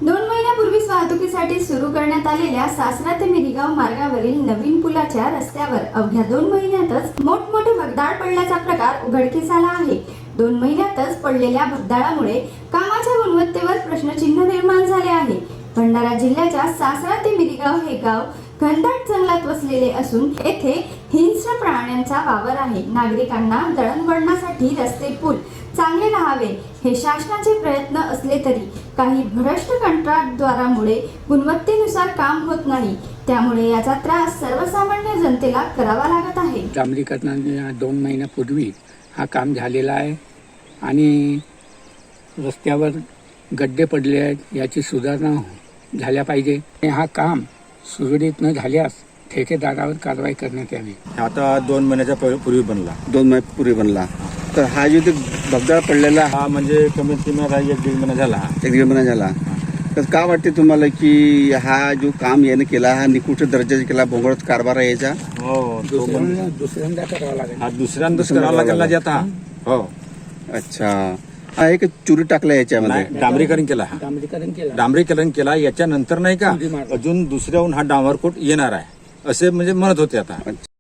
2 महिन्यापूर्वीच वाहतुकीसाठी सुरू करण्यात आलेल्या सासरा ते मिरीगाव मार्गावरील नवीन पुलाच्या रस्त्यावर अवघ्या 2 महिन्यातच मोठमोठे भगदाड पडल्याचा प्रकार उघडकीस आला आहे. 2 महिन्यातच पडलेल्या भगदाडामुळे कामाच्या गुणवत्तेवर प्रश्नचिन्ह निर्माण झाले आहे. भंडारा जिल्ह्याच्या सासरा ते मिरीगाव हे गाव घनदाट जंगलात वसलेले असून येथे हिंस्र प्राण्यांचा वावर आहे. नागरिकांना दळणवळणासाठी रस्ते पूल चांगले राहावे हे शासनाचे प्रयत्न असले तरी काही भ्रष्ट कंत्राटदारामुळे गुणवत्तेनुसार काम होत नाही. त्यामुळे याचा त्रास सर्वसामान्य जनतेला करावा लागत आहे. डांबरीकरणाने 2 महिन्यापूर्वी हा काम झालेला आहे आणि रस्त्यावर गड्डे पडले आहेत. याची सुधारणा झाल्या पाहिजे. हा काम सुरळीत न झाल्यास ठेकेदारावर कारवाई करण्यात यावी. आता 2 महिन्याच्या पूर्वी बनला. 2 महिन्यापूर्वी बनला. तर हा जो भगदाड पडलेला हा म्हणजे कमीत कमी 1.5 महिना झाला. 1.5 महिना झाला. तर का वाटते तुम्हाला की हा जो काम याने केला हा निकृष्ट दर्जाचा केला, भोंगळत कारभार आहे याचा? हो, दुसऱ्यांदा करावा लागेल. हा दुसऱ्यांदाच करावा लागेल ना आता. हो, अच्छा. हा एक चुरी टाकला याच्यामध्ये. डांबरीकरण केला. हा डांबरीकरण केला. याच्यानंतर नाही का अजून दुसऱ्याहून हा डांबरकोट येणार आहे असे म्हणजे म्हणत होते आता.